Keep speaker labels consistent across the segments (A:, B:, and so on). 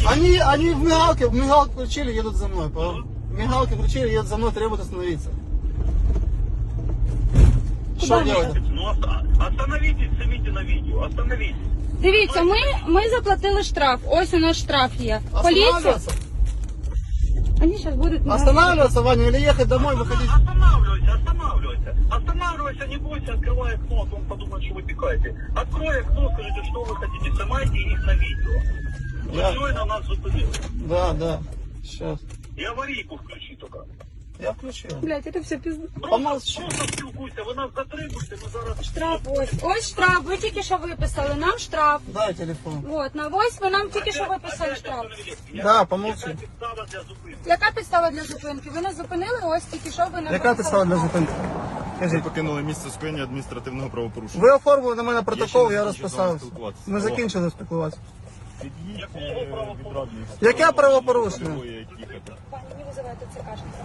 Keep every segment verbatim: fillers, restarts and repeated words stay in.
A: Они, они в мигалке, в мигалку включили, едут за мной. По мигалке включили, едут за мной, требуют остановиться. Что делать?
B: Ну, оста- остановитесь, снимите на видео, остановитесь.
C: Дивіться, ми, ми заплатили штраф. Ось у нас штраф є. Поліція.
A: Останавливаться?
C: Вони зараз будуть...
A: Останавливаться, Ваня, или ехать домой, выходить?
B: Останавливайся, останавливайся. Останавливайся, не бойся, открывай окно, а то он подумает, что вы пикаете. Открой окно, скажите, что вы хотите, снимайте их на видео.
A: Я-
B: Вы на нас зупинили.
A: Да, да. Сейчас.
B: И аварийку включи только.
A: Я включил.
C: Блядь, це все пізно.
A: Помолчи.
B: Просто спілкуйся, ви нас затримуєте, ми зараз...
C: Штраф ось. Ось штраф, ви тільки що виписали. Нам штраф.
A: Дай телефон.
C: От, на ось ви нам тільки що виписали штраф.
A: Да, помолчи.
B: Яка підстава для зупинки?
C: Яка підстава для зупинки? Ви нас зупинили, ось тільки що ви нам
A: Яка
C: виписали
A: підстава для
C: штраф.
A: зупинки?
D: Ви
A: Кажіть.
D: покинули місце скоєння адміністративного правопорушення.
A: Ви оформили на мене
D: Я
A: протокол,
D: ще
A: я
D: не закінчив з вами
A: розписався.
D: спілкуватися.
A: Ми закінчили спілкуватися.
D: Під'їдьте відрадний.
A: Яке правопорушення?
D: Їхати.
C: Пані, не визивайте цикашника.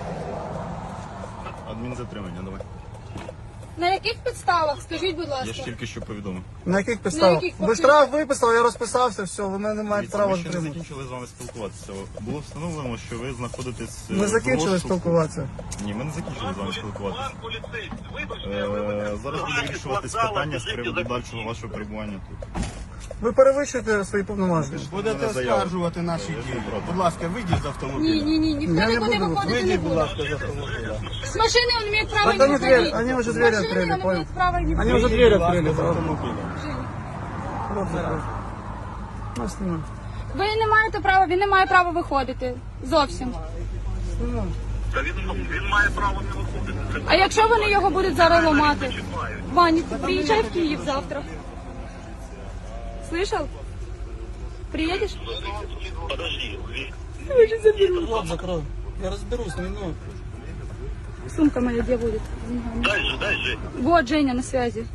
D: Адмінзатримання, давай.
C: На яких підставах? Скажіть, будь
D: Я
C: ласка.
D: ж тільки що повідомив.
A: На яких підставах?
C: яких
A: Ви
C: підставах?
A: штраф виписали, я розписався, все, ви мене не маєте
D: Дивіться,
A: права
D: ми ще не
A: затримати.
D: закінчили з вами спілкуватися. Було встановлено, що ви знаходитесь... е,
A: Ми
D: в
A: закінчили
D: розшуку.
A: спілкуватися.
D: Ні, ми не закінчили з вами спілкуватися.
B: Пан поліцейський, вибачте,
D: Е,
B: ви мене
D: Зараз буде
B: вдарили
D: вирішуватись
B: з вокзалу,
D: питання з
B: біжите
D: приводу
B: за-
D: дальшого вашого перебування тут.
A: Ви перевищуєте свої повноваження.
E: Будете
D: Мене заява.
E: оскаржувати наші
D: Я
E: дії.
D: проти.
E: Будь ласка, вийдіть з
C: Ні,
E: автомобіля.
C: ні, ні, ніхто
A: Я не
C: нікуди
A: буду.
C: виходити не
E: Вийдіть, будь
C: буде.
E: ласка, з автомобіля.
C: С машины он имеет право
A: Так
C: не
A: они дверь-
C: выходить.
A: они уже
C: С
A: двери
C: машины
A: открыли,
C: он
A: понял.
C: имеет право не
A: Они
C: выходить.
A: уже дверь
E: Будь ласка,
A: открыли.
E: з
A: да.
E: автомобіля.
C: Женя,
A: Вот закрой. Ну, снимай.
C: ви не маєте права, він не має права виходити. Зовсім.
A: Снимай.
B: Та він, він має право не виходити. Це
C: А якщо вони його будуть зараз ламати?
B: чіпають.
C: Ваня, ты приезжай в Киев завтра. Слышал? Приедешь?
B: Подожди,
A: Вот закрой. Я разберусь, не ну.
C: Сумка моя где будет? С деньгами.
B: дай же, дай же.
C: Вот Женя на связи.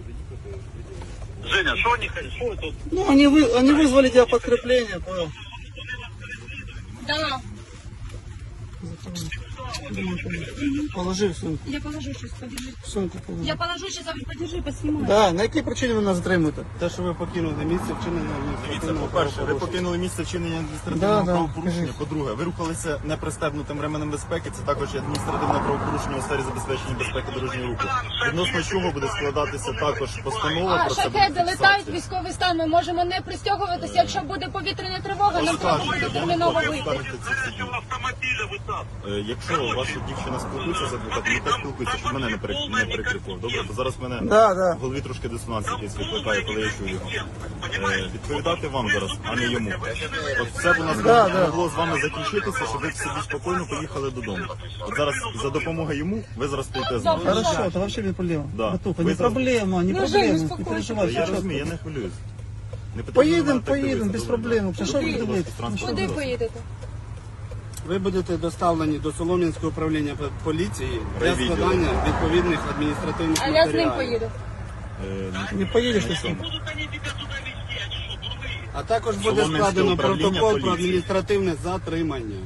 B: Женя, что они хотят? Что тут?
A: Ну, они, вы, они вызвали тебя подкрепление, понял?
C: Да.
A: Положи в сумку.
C: Я положу сейчас, подержи.
A: В сумку положи.
C: Я положу сейчас, а вы подержи, поснимай.
A: Да, на якій причині ви нас затримуєте?
E: Те, що ви покинули місце вчинення
D: Дивіться,
E: адміністративного
D: по-перше, ви
E: правопорушення.
D: покинули місце вчинення адміністративного
A: Да, да,
D: правопорушення.
A: кажіть.
D: По-друге, ви рухалися непристебнутим ременем безпеки. Це також є адміністративне правопорушення у сфері забезпечення безпеки дорожнього руху. Відносно чого буде складатися також постанова
C: А,
D: про це буде
C: шахеди летають,
D: фіксація.
C: військовий стан, ми можемо не пристягуватися. Якщо буде повітряна тривога, нам треба буде
D: Оскаржуйте, я не
C: терміново
D: проти
C: вийти.
D: оскаржити ці всі дії.
B: Автомобиля вы там.
D: Е, Якщо ваша дівчина спілкується з адвокатом, нехай спілкується, щоб мене не перек- не перекрикував. Добре, бо зараз в мене
A: Да, да.
D: в голові трошки дисонанс якийсь викликає, коли я чую його. Е, Відповідати вам зараз, а не йому. От все б у нас
A: Да, да.
D: могло з вами закінчитися, щоб ви собі спокійно поїхали додому. От зараз за допомогою йому ви зараз стоїте з нами.
A: Хорошо, это вообще не проблема.
D: Да.
A: Братуха,
D: Вы
A: не
D: за-
A: проблема, не
C: Ну,
A: проблема.
C: Жень,
A: Не
C: успокойся.
A: переживай,
D: Я
A: все
D: розумію, я
A: чітко.
D: не хвилююсь. Не потрібно
A: Поїдемо,
D: на мене так
A: поїдемо,
D: дивитися,
A: без
D: добре?
A: проблем. Що ви
D: Будь ласка,
A: дивитесь?
D: транспортний
C: Куди
D: засіб.
C: поїдете?
E: Ви будете доставлені до Солом'янського управління поліції для
D: Райвідділу.
E: складання відповідних адміністративних
C: А я з ним
E: матеріалів.
C: поїду.
D: Е,
A: Не поїдеш ти
D: на
A: сам.
D: чому?
B: Будут они тебя туда везти, они что, дурные?
E: А також буде
D: Солом'янське
E: складено
D: управління
E: протокол про
D: поліції.
E: адміністративне затримання.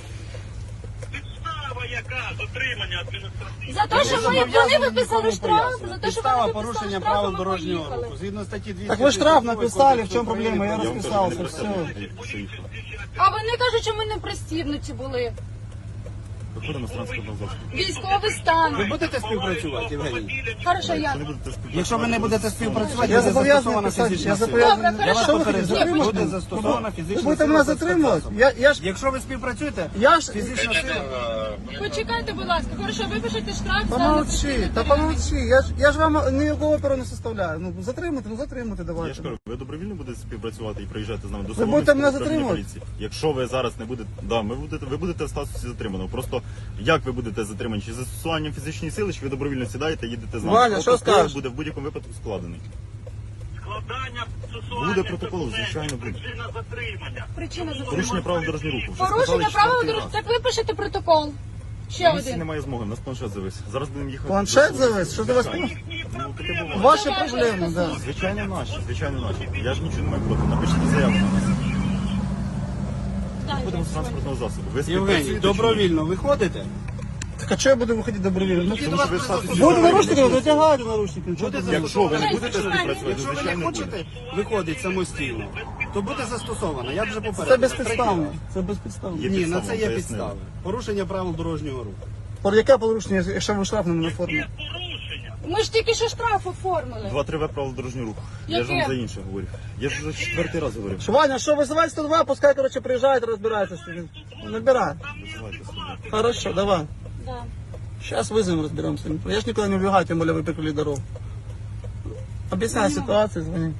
B: Підстава яка? Затримання адміністративне.
C: За те, що ми, вони виписали штраф, за те, що
E: Підстава
C: вони виписали
E: порушення
C: штраф,
E: правил
C: ми
E: дорожнього
C: поїхали.
E: руху. Згідно статті двісті.
A: Так ви штраф написали, в
E: Кодексу
A: чому проблема? Я
E: України
D: Я вам кажу,
A: розписався,
D: не
A: все.
D: пристебнутий, що їхав.
C: А вони кажуть, що ми не пристібнуті були.
D: Виходимо з транспортного засобу.
C: Військовий стан.
E: Ви будете співпрацювати, Євгеній?
C: Хорошо, я.
D: Якщо не будете спілкуватися,
E: Якщо ви не будете співпрацювати,
A: Я
E: буде
A: зобов'язаний
E: застосована
A: писати,
E: фізична
A: я
E: сила.
A: зобов'язаний.
C: Добре,
E: Я вас
C: хорошо.
E: попереджаю,
C: Ні,
E: буде застосована
A: Ви
E: фізична
A: будете
E: сила.
A: мене
E: без
A: затримувати?
E: спецзасобів.
A: Я, я ж,
E: Якщо ви співпрацюєте,
A: я ж,
E: фізична сила.
C: Почекайте, будь ласка. Хорошо, випишете штраф.
A: помолчи, та помолчи. Я ж, я ж вам ніякого оперу не составляю. Ну, затримати, ну затримати
D: Я ж
A: давайте.
D: кажу, ви добровільно будете співпрацювати і приїжджати з нами до
A: Ви будете мене
D: Солом'янського управління
A: затримувати?
D: поліції. Якщо ви зараз не будете, да, ми будете, ви будете в статусі затриманого. Просто як ви будете затримані? Чи застосуванням фізичної сили, чи ви добровільно сідаєте, їдете з нами?
A: Ваня, що
D: Протокол
A: скажеш?
D: буде в будь-якому випадку складений.
B: Складання процесуальних
D: Буде протокол,
B: документів,
D: звичайно, буде.
B: Причина затримання.
C: Причина за
D: Порушення правил дорожнього руху. Вже
C: порушення
D: сказали
C: правил
D: четвертий
C: дорожнього.
D: раз.
C: Так випишете протокол. Ще
D: На місці
C: один.
D: немає змоги, у нас планшет завис. Зараз будемо їхати.
A: Планшет
D: до-
A: завис? Що за вас?
D: Ну, таке буває.
A: Ваші
C: Це ваша
A: проблеми, да.
D: Звичайно наші, звичайно наші. Я ж нічого не маю проти. Напишіть заяву на нас.
C: Дайте.
D: Будемо з транспортного засобу. Ви
E: Євгеній,
D: співпрацюєте чи ні?
E: добровільно виходите?
A: Так а чого я буду виходити добровільно? Ну,
D: Тому що ви статусі
A: буду
D: інваліда
A: наручники,
D: не
A: витягайте наручники. Чого
E: Буде
A: ти-
D: Якщо ви не
C: Давай,
D: будете
C: давай.
D: співпрацювати,
E: Якщо ви не
D: звичайно буде.
E: хочете виходити самостійно, то буде застосовано. Я вже
A: Це
E: попередив.
A: безпідставно. Це безпідставно.
D: Є
E: Ні, на
D: підстава,
E: це є
D: пояснили.
E: підстави. Порушення правил дорожнього руху.
A: Про яке порушення, якщо ви штраф не оформили?
B: Порушення.
C: Ми ж тільки що штраф оформили.
D: два-три В правил дорожнього руху. Я ж
C: Яке?
D: вам за інше говорю. Я ж вже четвертий раз говорю.
A: Що, Ваня, що, визивай сто два, пускай, короче, приїжджають, розбираються. Набирай.
D: Визивайте собі.
A: Хорошо, давай.
C: Да.
A: Сейчас вызовем, разберемся. Я ж никуда не убегаю, тем более вы перекрыли дорогу. Объясняй ситуацию, звони.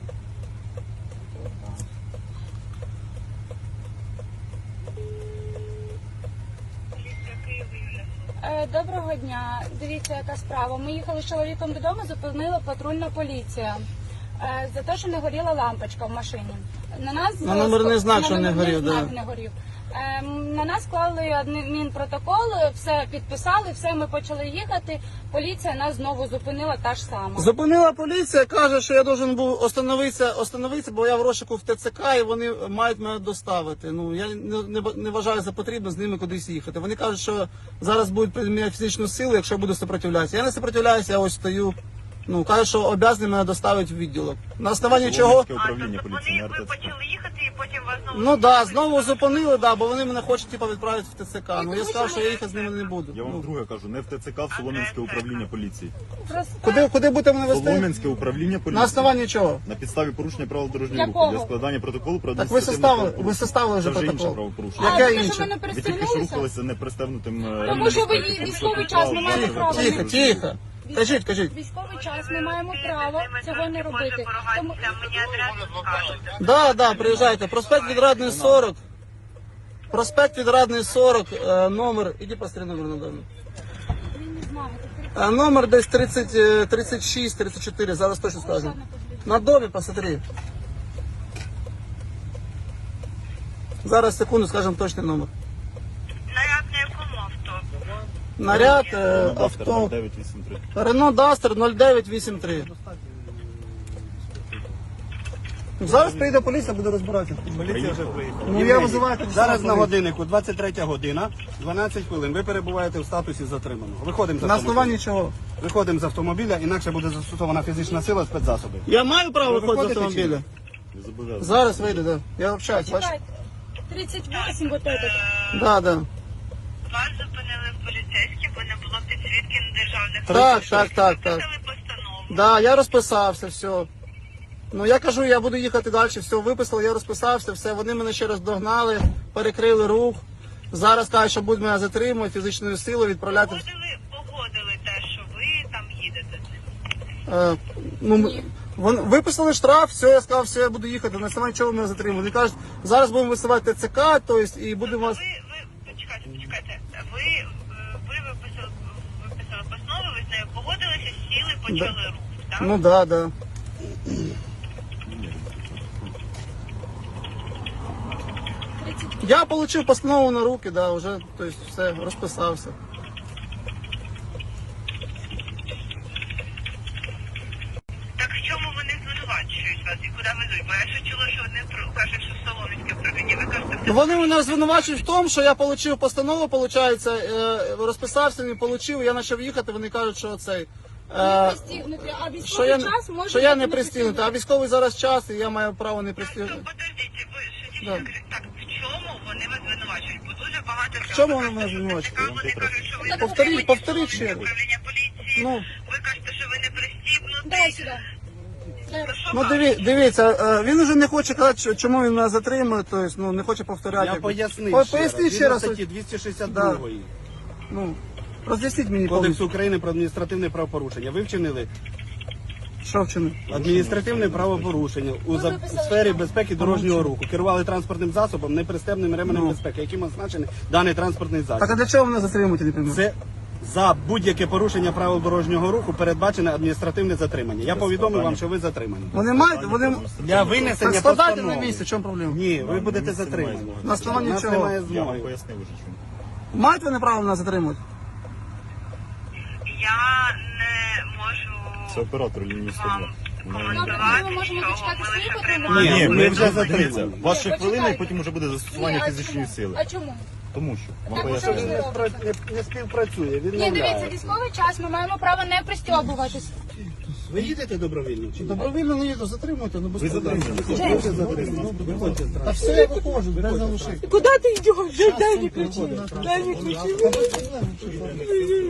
C: Е, Доброго дня. Дивіться, яка справа. Ми їхали з чоловіком додому, зупинила патрульна поліція. Е, За те, що не горіла лампочка в машині. На нас
A: На номерний знак,
C: на
A: що не
C: номерний
A: горів,
C: знак
A: да.
C: не горів. Е, На нас клали адмінпротокол, все підписали, все, ми почали їхати. Поліція нас знову зупинила та ж сама.
A: Зупинила поліція, каже, що я должен був остановитися, остановитися, бо я в розшуку в ТЦК і вони мають мене доставити. Ну, я не, не, не вважаю за потрібно з ними кудись їхати. Вони кажуть, що зараз будуть приміняти фізичну силу, якщо я буду сопротивлятися. Я не сопротивляюся, я ось стою. Ну, кажуть, що обязані мене доставити в відділок. На основанні чого?
D: Солом'янське управління поліції, не
B: ви
D: РТЦК.
B: почали їхати і потім вас знову...
A: Ну да, знову зупинили, да, бо вони мене хочуть типу, відправити в ТЦК. Ну я сказав, що я їхати з ними не буду.
D: Я вам
A: Ну,
D: вдруге кажу, не в ТЦК, в Солом'янське управління поліції.
C: Просто
A: куди, куди будете мене вести?
D: Солом'янське управління поліції.
A: На основанні чого?
D: На підставі порушення правил дорожнього
C: Якого?
D: руху для складання протоколу про
A: Так ви
D: адміністративне
A: составили, ви
D: правопорушення.
A: составили вже
D: Це вже інше
A: протокол.
D: правопорушення.
C: А,
A: Яке
C: те, що
A: інше?
C: ми не
D: Ви тільки що
C: пристегнулися?
D: рухалися непристебнутим е,
C: Тому що ви
D: ремнем безпеки.
C: військовий час, ми маємо
A: Тихо,
C: право.
A: тихо, тихо. Кажіть, кажіть.
C: Військовий час, ми маємо право цього не робити. Тому...
B: Мені адресу скажете.
A: Да, да, приїжджайте. Проспект Відрадний сорок. Проспект Відрадний сорок, е, номер. Іди посмотри номер на домі.
C: Він не знає, ти
A: Е, Номер десь тридцять, е, тридцять шість, тридцять чотири, зараз точно скажу. На домі посмотри. Зараз, секунду, скажемо точний номер.
B: Наряд на якому авто?
A: Наряд, е, авто.
D: дев'ять вісім три.
A: Рено Дастер нуль дев'ять вісім три. Зараз прийде поліція, буде розбиратися.
E: Поліція вже приїхала.
A: Ну, я
E: Євгеній,
A: визиваю тоді
E: зараз
A: саме
E: на
A: поліцію.
E: годиннику двадцять третя година, дванадцять хвилин. Ви перебуваєте в статусі затриманого. Виходимо з
A: На
E: автомобіля.
A: основанні чого?
E: Виходимо з автомобіля, інакше буде застосована фізична сила, спецзасоби.
A: Я маю право
E: Ви
A: виходити з
E: виходите чи ні?
A: автомобіля.
D: Ви зобов'язані.
A: Зараз вийду, да. Я общаюсь, бачиш?
C: Чекайте. тридцять вісім вот этот.
A: Да, да.
B: Вас зупинили поліцейські, бо не було підсвітки на державних
A: Так, так, так, так.
B: Писали постанову.
A: Да, я розписався, все. Ну я кажу, я буду їхати далі, все, виписали, я розписався, все, вони мене ще раз догнали, перекрили рух. Зараз кажуть, що будуть мене затримувати, фізичною силою відправляти.
B: Погодили, погодили те, що ви там їдете з ним.
A: Е, ну, м- вони виписали штраф, все, я сказав, все, я буду їхати, на основанні чого мене затримали. Вони кажуть, зараз будемо висувати ТЦК, тобто, і будемо вас...
B: Ви, ви, почекайте, почекайте. Ви, е, ви виписали, виписали постанову, ви з нею погодилися, сіли, почали рух, так?
A: Ну да, да. Я отримав постанову на руки, да, вже, тобто, все, розписався.
B: Так в чому вони звинувачують вас і куди везуть? Бо я ще чула, що вони про- кажуть, що в Солом'янське управління. Ви кажете,
A: Ну, вони мене звинувачують в тому, що я отримав постанову, виходить, розписався, не отримав, я почав їхати, вони кажуть, що цей...
C: Не
A: е,
C: пристігнути, а
A: Що
C: військовий
A: я,
C: час може
A: що я
C: бути
A: не пристігнутий, а військовий зараз час, і я маю право не
B: то
A: пристігнути.
B: подождіть, ви що
A: Да.
B: дійсно так, в чому вони вас звинувачують? Бо дуже багато
A: В чому вони мене звинувачують?
B: Вони кажуть, що ви
A: Повторіть,
B: не
A: повторіть ще раз.
B: управління поліції.
A: Ну.
B: Ви кажете, що ви не пристібнуті.
C: Дай сюди. Дай.
B: Ну, що
A: Ну
B: вам?
A: диві, дивіться, е, він уже не хоче казати, що- чому він мене затримує, тобто, ну, не хоче повторяти.
E: Я пояснив
A: По-
E: ще
A: Поясніть
E: раз.
A: ще раз.
E: Згідно статті двісті шістдесят два
A: Ну, роз'ясніть мені
E: Кодексу
A: повністю,
E: України про адміністративне правопорушення. Ви вчинили
A: що вчинив.
E: адміністративне правопорушення у за-
C: виписали
E: сфері
C: штраф.
E: безпеки дорожнього руху. Керували транспортним засобом, непристебним ременем
A: Ну.
E: безпеки, яким означений даний транспортний засіб.
A: Так а для чого мене затримуєте, не пойму?
E: Це за будь-яке порушення правил дорожнього руху передбачене адміністративне затримання. Я повідомив вам, що ви затримані.
A: Вони мають, вони...
E: Для винесення
A: Так складайте на
E: постанови.
A: місці, в чому проблема?
E: Ні, ви будете
D: місце немає
E: затримані.
D: змоги.
A: На основанні
E: У нас
A: чого?
E: немає
D: Я вам
E: змоги.
D: пояснив уже чому.
A: Мають вони право мене затримувати?
B: Я не можу
D: Це оператор лінії сто два.
B: вам
C: Добре, ми можемо почекати свої патрульні
E: Ні,
C: поліції?
E: ми вже
D: дивіться,
E: затримані.
D: ваша
C: Ні,
D: хвилина, і
C: почекайте.
D: потім вже буде
C: Ні,
D: застосування
C: а
D: фізичної
C: чому?
D: сили.
C: А чому?
D: Тому що вам
C: Так,
D: пояснюю.
C: що ви робите?
E: Не, не співпрацює,
C: Ні, дивіться,
E: відмовляє.
C: військовий час, ми маємо право не пристьобуватись.
E: Ви їдете добровільно чи ні?
A: Добровільно не їду, затримуйте, ну без
D: Ви
A: проблем.
D: затримані.
E: Ви затримані. Виходьте з
A: Та все, я виходжу, без залишити.
F: Куда ты идешь? Дай мне ключи. Дай мне ключи.